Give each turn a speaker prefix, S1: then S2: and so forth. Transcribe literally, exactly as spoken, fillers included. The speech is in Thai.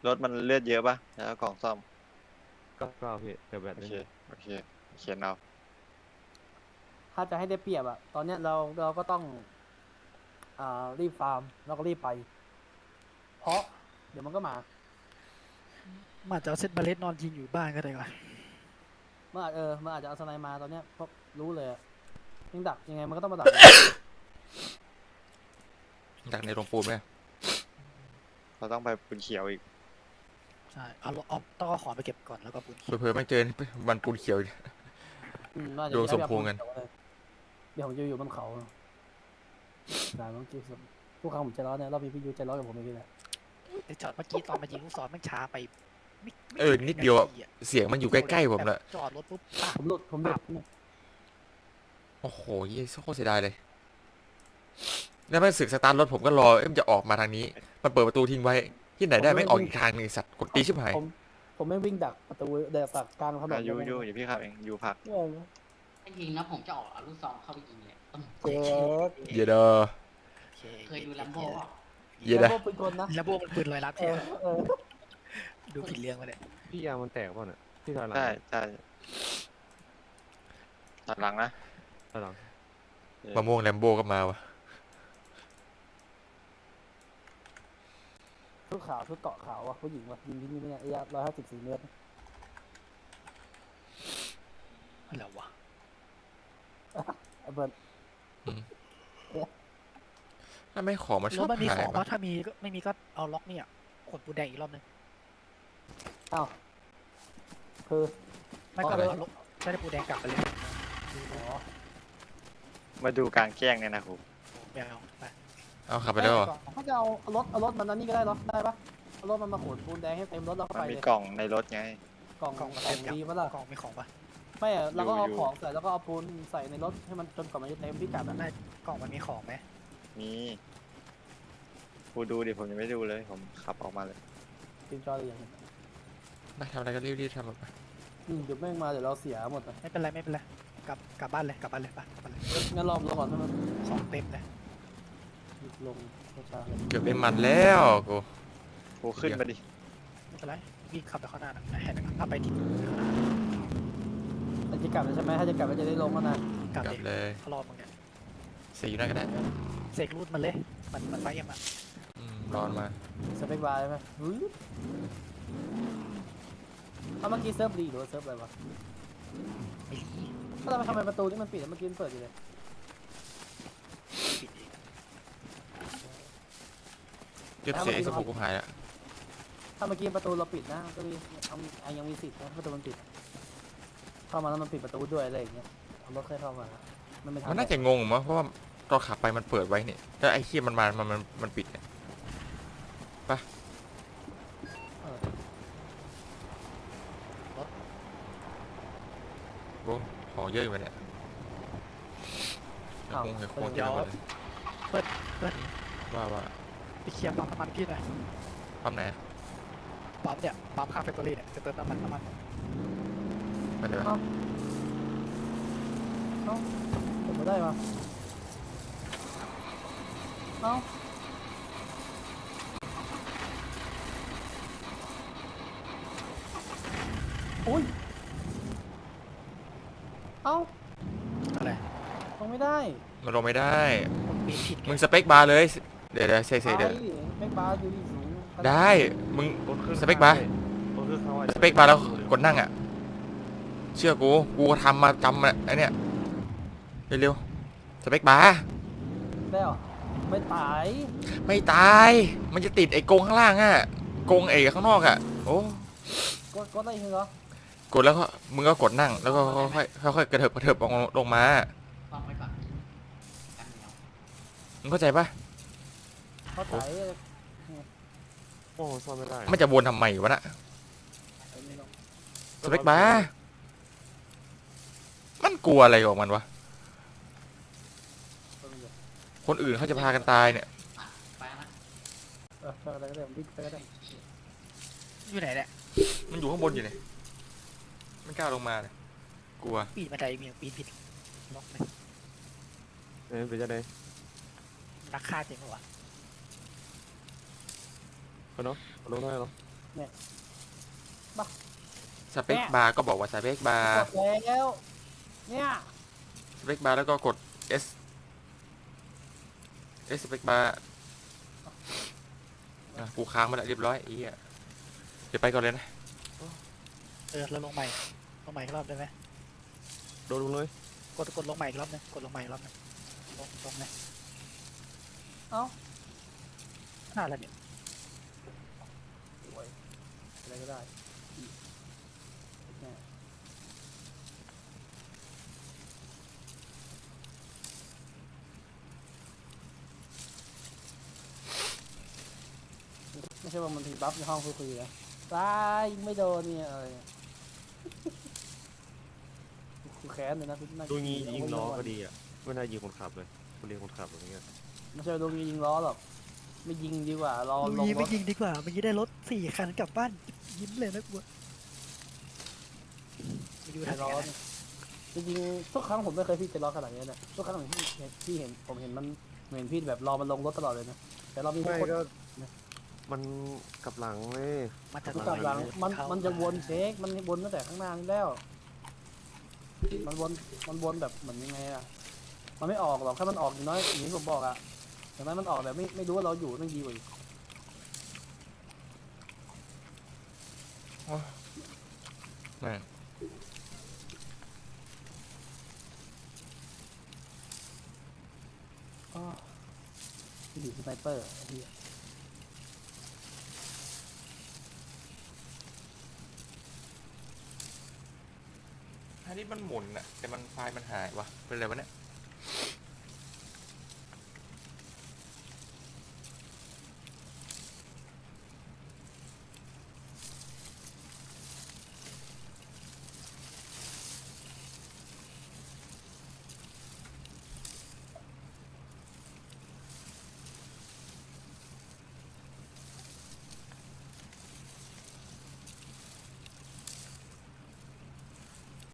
S1: รถมันเลือดเยอะปะแล้วกล่องซ่อม
S2: เก้าเก้าพี่เดี๋ยวแบต
S1: โอ
S2: นึ
S1: เค
S2: ง
S1: โอเคเขียนเอา
S3: ถ้าจะให้ได้เปรียบอะตอนเนี้ยเราเราก็ต้องอ่ารีบฟาร์มแล้วก็รีบไป เพราะเดี๋ยวมันก็มา
S4: มันอาจจะเอาเซตเมล็ดนอนยิงอยู่บ้านก็ได้ก่อน
S3: เมื่ออาจเออเมื่ออาจจะเอาสไนมาตอนเนี้ยเพราะรู้เลยอะยิงดักยังไงมันก็ต้องมาดัก
S5: ดักในโรงปูนไหม
S1: เราต้องไปปืนเขียวอีก
S4: ใช่เอาเอาต้องเอาของไปเก็บก่อนแล้วก็ปืน
S5: เผื่อๆไม่เจอวันปูนเขียวอีก
S3: อืมน่าจะ
S5: ดู
S3: ได้
S5: สมพงษ์กัน
S3: เดี๋ยวผมจะอยู่บนเขาได้ต้องกินทุกครั้งผมใจร้อนเนี่ยรอบนี้พี่ยูใจร้อนกับผมอีกเลย
S4: แต่จอดเมื่อกี้ตอนมายิงลูกศรมันช้าไปไม่ไม่
S5: เออนิดเดียวอะ
S4: นาทีอะ
S5: เสียงมันอยู่ใกล้ๆผมละ
S4: จอดรถปุ๊บปา
S3: ผมหลุดผมหลุด
S5: โอ้โหเยี่ยโคตรเสียดายเลย แล้วมันสึกสตาร์ทรถผมก็รอเอ็มนจะออกมาทางนี้ มันเปิดประตูทิ้งไว้ ที่ไหนได้ไม่งออกอีกทางหนึงไอ้สัตว์กดตีชิบหาย
S3: ผมผมไม่วิ่งดักประตูเดี๋ยวดักกลางถนน
S1: อายุยูเดี๋ยวพี่ขับเองยูพัก
S3: เออ
S6: ถ้ายิงนะผมจะออกเอาลูกซองเข้าไปยิงเลยอืม
S3: เจ๊ก
S5: เยเดอ
S4: โอเค
S6: เคยดูลัมโบ้
S5: เยเดอ
S3: แล้วก็ปืนกลนะ
S4: แล้วพวกมันปืนลอยลัด
S3: เอ
S4: ใช่
S3: อ
S4: ไหม
S3: เออ
S4: ดูผิดเรื่องมาเลย
S2: พี่ยางมันแตกเปล่าเนี่ยพี่ถอยหลัง
S1: ใช่ใช่ตัดหลังนะ
S2: ถอยหลัง
S5: มะม่วงแลมโบก็มาวะ
S3: ชุดขาวชุดเกาะขาวอ่ะผู้หญิงว่ะยิงที่นี่ไม่เนี่ยระยะร้อยห้าสิบสี่เมตร
S4: อะไรวะ
S3: ไอ้เบิร์ด
S5: ถ้าไม่ของมันช
S4: ร
S5: อ
S4: ถ
S5: บ
S4: มันมี
S5: หา
S4: ข
S5: ย
S4: อง
S5: ปะ
S4: ว่าถ้ามีก็ไม่มีก็เอาล็อกเนี่ยขนปูแดงอีกรอบนึง
S3: อ้าวคือ
S4: ไม่ก็เอาล็อกใช้ปูแดงกลับไปเลย
S3: อ๋อ
S1: มาดูการแกล้งเนี่ยนะครู
S4: ไม่เอาไป
S5: เอาขับไปแล้วเหรอ
S3: ถ้าจะเอารถเอารถมันนั้นนี่ก็ได้เหรอได้ปะเอารถมันมาขนปูนแดงให้เต็มรถแล้วก็
S1: มัน
S3: ไป
S1: มี
S3: เลย
S1: กล่องในรถไง
S3: กล่อง
S4: กล่อง
S3: ก
S4: มัน
S3: ล่อ
S4: เต็
S3: ง
S4: มยัง
S3: ดีปะล่ะ
S4: กล่องมีของปะ
S3: ไม่อะเราก็เอา
S1: อยู่
S3: ของใส่แล้วก็เอาปูนใส่ในรถให้มันจนกว่ามันจะเต็มพิกัดอะ
S4: ได้กล่องมันมีของไหม
S1: มีครูดูดิผมยังไม่ดูเลย ผมขับออกมาเลย
S3: จริงจอเลยอย่างนี้
S5: ไปทำอะไรก็รีบๆทำไป
S3: อืมเดี๋ยวแม่งมาเดี๋ยวเราเสียหมดอะ
S4: ไม่เป็นไรไม่เป็นไรกลับกลับบ้านเลยกลับบ้านเลยไปกลับบ้านเลย
S3: งั้นรอลงก่อนนะมัน
S4: ของเต็มเลย
S3: ลงช้าๆเลย
S5: เกือบได้มันแล้วกู
S1: ครูขึ้นมาดิ
S4: ไม่เป็นไรวิ่งขับไปข้างหน้านะแหนขับไปที่ข้างหน้า
S3: แต่จะกลับแล้วใช่ไหมถ้าจะกลับก็จะได้ลงแล้วนะ
S4: กลับ
S5: กลับ
S4: เลย
S5: เลย
S4: เขารอมึงเนี่ย
S5: เสียอยู่นั่นก็ได้
S4: เสกรูดมันเลยมันมันไฟเอ็มอะ
S5: อืมร้อนมา
S3: สเปคบาร์ใช่ไหมหือเอาเมื่อกี้เซิร์ฟรีหรือว่าเซิร์ฟอะไรวะ
S4: ไม่รี
S3: ก็ทำไมทำไมประตูนี่มันปิดแล้วเมื่อกี้มันเปิดอยู่เลย
S4: ปิดเอง
S5: เก็บเสียไอ้สบู่กูหายแล้ว
S3: ถ้าเมื่อกี้ประตูเราปิดนะก็มีเอาเอายังมีสิทธิ์นะประตูมันปิด เข้ามาแล้วมันปิดประตูด้วยอะไรอย่างเงี้ยเอารถค่อยเข้ามามันไม่ทัน
S5: มันน่าจะงงมั้งเพราะว่าตอนขับไปมันเปิดไว้เนี่ยแล้วไอ้เคียมันมามันมันมันปิดเนี่ย
S3: เออ
S5: โอ้ของเยอะอยู่วะเนี่ยเดี๋ยวคงเดี๋ยวคงจะหมดเลย
S4: เพื่อนเพื่อน
S5: ว่าว่า
S4: ไปเคลียร์ปั๊มน้ำมันพี่หน่อย
S5: ปั๊มไหนอะ
S4: ปั๊มเนี่ยปั๊มข้างแฟคทอรี่เนี่ยจะเติมน้ำมันน้ำมัน
S5: ไปเลยวะ
S3: เอ้าเอ้าผมไม่ได้มาเอ้าอุ้ยเอ้า
S4: อะไร
S3: ลงไม่ได้
S5: มันลงไม่ได้
S4: ผมปีนผิดไง
S5: มึงสเปคบาร์เลย เดี๋ยวเดี๋ยวเซ่เซ่เดี๋ยว
S3: แม็กบาร์อยู่ที่สูง
S5: ได้ มึง
S2: รถขึ้น
S5: สเปคบาร์
S2: รถขึ้นข้างไว้
S5: สเปคบาร์แล้วกดนั่งอ่ะ เชื่อกู กูทำมาจำมาไอเนี้ยเร็วๆสเปคบาร์
S3: ได้เหรอไม่ตาย
S5: ไม่ตาย มันจะติดไอ้กรงข้างล่างอ่ะกรงไอ้ข้างนอกอ่ะ โอ้
S3: ก็ก็ได้เหรอก
S5: ดแล้วก็มึงก็กดนั่ง แล้วก็ค่อยๆค่อยๆกระเถิบกระเถิบลงลงมา
S6: ฟังไว้ก่อนกันเหนียว
S5: มึงเข้าใจปะ
S3: เขาตาย
S2: โอ้โหซ่อนไม่ได้
S5: มันจะวนทำไมวะน่ะสเปคบาร์มันกลัวอะไรของมันวะ คนอื่นเขาจะพากันตายเนี่ย
S6: อ่ะไปนะ
S3: เออไปอะไรก็ได้ผมวิ่งไปก็ได้
S4: อยู่ไหนเนี่ย
S5: มันอยู่ข้างบนอยู่เนี่ยไม่กล้าลงมาเลยกลัว
S4: ปีนบันไดมีปีนผิดล็อกเลย
S2: เอ้ยเป็นจะได้
S4: นักฆ่าจริงปะวะ
S2: เอาเนาะเอาลงได้เนาะ
S3: เนี่ย
S5: สเปคบาร์ก็บอกว่าสเปคบาร์
S3: กดแล้ว เนี่ย
S5: สเปคบาร์แล้วก็กด S S สเปคบาร์อ่ะกูค้างมาแล้วเรียบร้อยไอ้เหี้ยเดี๋ยวไปก่อนเลยนะ
S4: เออแล้วลงใหม่ลงใหม่อีกรอบได้ไหม
S2: โดนลงเลย
S4: กดกดลงใหม่อีกรอบนึงกดลงใหม่อีกรอบนึงลงลงนะ
S3: เอ้า
S4: น่าแล้วเนี่ย
S3: โอ้ยอะไรก็ได้เนี่ยไม่ใช่ว่ามันทีบัฟในห้องคุยๆนะตายยิงไม่โดนเนี่ยเออกูแค้นเลยนะกูนั่
S2: ดูงี้ยิงล้อ
S3: เาไว้
S2: ก็ดีอ่ะไม่น่ายิงคนขับเลยคนเรียนคนขับอะไรเงี้ย
S3: ไม่ใช่ดูงี้ยิงล้อหรอกไม่ยิงดีกว่ารอ
S4: ลุ
S3: ลง
S4: ย
S3: ร
S4: ไม่
S3: ถ
S4: ยิงดีกว่าเมื่อกี้ได้รถสี่คันกลับบ้านยิ้มเลยนะกูไปดู
S3: ใจ
S4: ทัน
S3: ร้อ
S4: กัน
S3: นจริงๆทุกครั้งผมไม่เคยพี่ใจร้อนขนาดนี้นะทุกครั้งที่เห็นที่เห็นผมเห็นมันเห็นพี่แบบรอมันลงรถตลอดเลยนะแต่เรามี
S2: ไม่
S3: คน
S2: ก็มันกลับหลังเลย
S4: มันจะ
S3: ทุกกลับหลังมัน
S4: เข้า
S3: มันจะวนเช็คมันวนตั้งแต่ข้างหน้านี่แล้ว มันวนมันวนแบบเหมือนยังไงอะมันไม่ออกหรอกถ้ามันออกอย่างน้อยอย่างที่ผมบอกอะอย่างนั้นมันออกแบบไม่ไม่รู้ว่าเราอยู่นั่งดีกว่าอีก
S5: แม่ง
S3: อ๋อที่ดีสไนเปอร์ไอ้เหี้ย
S5: อันนี้มันหมุนอะแต่มันไฟล์มันหายวะเป็นไรวะเนี่ย